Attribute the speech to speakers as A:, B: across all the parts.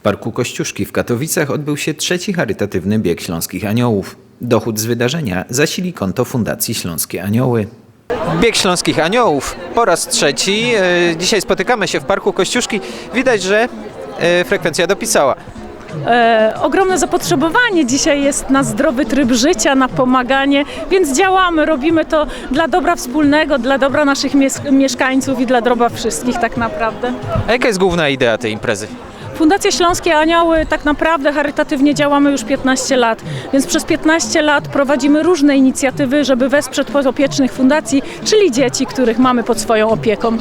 A: Parku Kościuszki w Katowicach odbył się trzeci charytatywny bieg Śląskich Aniołów. Dochód z wydarzenia zasili konto Fundacji Śląskie Anioły. Bieg Śląskich Aniołów po raz trzeci. Dzisiaj spotykamy się w Parku Kościuszki. Widać, że frekwencja dopisała.
B: Ogromne zapotrzebowanie dzisiaj jest na zdrowy tryb życia, na pomaganie, więc działamy, robimy to dla dobra wspólnego, dla dobra naszych mieszkańców i dla dobra wszystkich tak naprawdę.
A: A jaka jest główna idea tej imprezy?
B: Fundacja Śląskie Anioły tak naprawdę charytatywnie działamy już 15 lat, więc przez 15 lat prowadzimy różne inicjatywy, żeby wesprzeć podopiecznych fundacji, czyli dzieci, których mamy pod swoją opieką.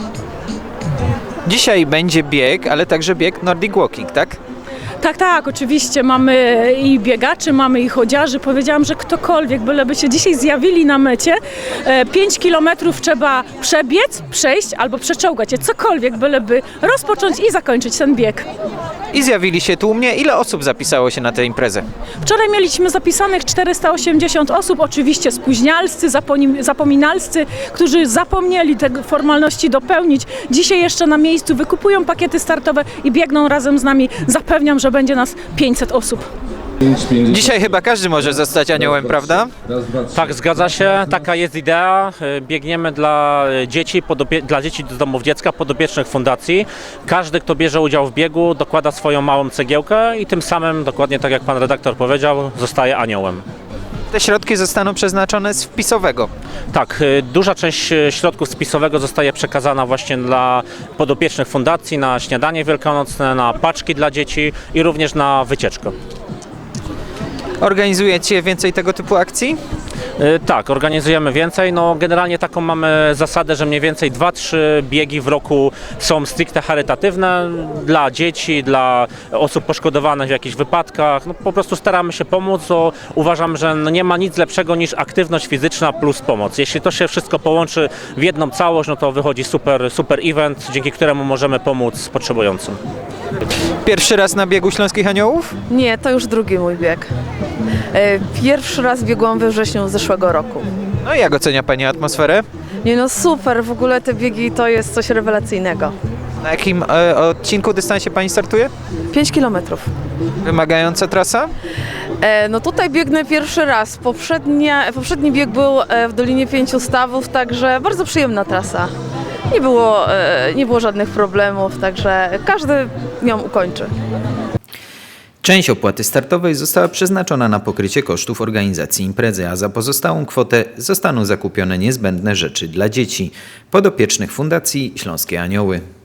A: Dzisiaj będzie bieg, ale także bieg Nordic Walking, tak?
B: Tak, oczywiście. Mamy i biegaczy, mamy i chodziarzy. Powiedziałam, że ktokolwiek, byleby się dzisiaj zjawili na mecie, 5 kilometrów trzeba przebiec, przejść albo przeczołgać je, cokolwiek, byleby rozpocząć i zakończyć ten bieg.
A: I zjawili się tłumnie. Ile osób zapisało się na tę imprezę?
B: Wczoraj mieliśmy zapisanych 480 osób, oczywiście spóźnialscy, zapominalscy, którzy zapomnieli te formalności dopełnić. Dzisiaj jeszcze na miejscu wykupują pakiety startowe i biegną razem z nami. Zapewniam, że będzie nas 500 osób.
A: Dzisiaj chyba każdy może zostać aniołem, prawda?
C: Tak, zgadza się. Taka jest idea. Biegniemy dla dzieci, dla dzieci z domów dziecka, podopiecznych fundacji. Każdy, kto bierze udział w biegu, dokłada swoją małą cegiełkę i tym samym, dokładnie tak jak pan redaktor powiedział, zostaje aniołem.
A: Te środki zostaną przeznaczone z wpisowego.
C: Tak, duża część środków spisowego zostaje przekazana właśnie dla podopiecznych fundacji, na śniadanie wielkanocne, na paczki dla dzieci i również na wycieczkę.
A: Organizujecie więcej tego typu akcji?
C: Tak, organizujemy więcej. No, generalnie taką mamy zasadę, że mniej więcej 2-3 biegi w roku są stricte charytatywne dla dzieci, dla osób poszkodowanych w jakichś wypadkach. No, po prostu staramy się pomóc, bo uważam, że nie ma nic lepszego niż aktywność fizyczna plus pomoc. Jeśli to się wszystko połączy w jedną całość, no to wychodzi super event, dzięki któremu możemy pomóc potrzebującym.
A: Pierwszy raz na biegu Śląskich Aniołów?
D: Nie, to już drugi mój bieg. Pierwszy raz biegłam we wrześniu zeszłego roku.
A: No i jak ocenia Pani atmosferę?
D: Nie no super, w ogóle te biegi to jest coś rewelacyjnego.
A: Na jakim odcinku, dystansie Pani startuje?
D: 5 kilometrów.
A: Wymagająca trasa?
D: No tutaj biegnę pierwszy raz. Poprzedni bieg był w Dolinie Pięciu Stawów, także bardzo przyjemna trasa. Nie było żadnych problemów, także każdy ją ukończy.
A: Część opłaty startowej została przeznaczona na pokrycie kosztów organizacji imprezy, a za pozostałą kwotę zostaną zakupione niezbędne rzeczy dla dzieci, podopiecznych Fundacji Śląskie Anioły.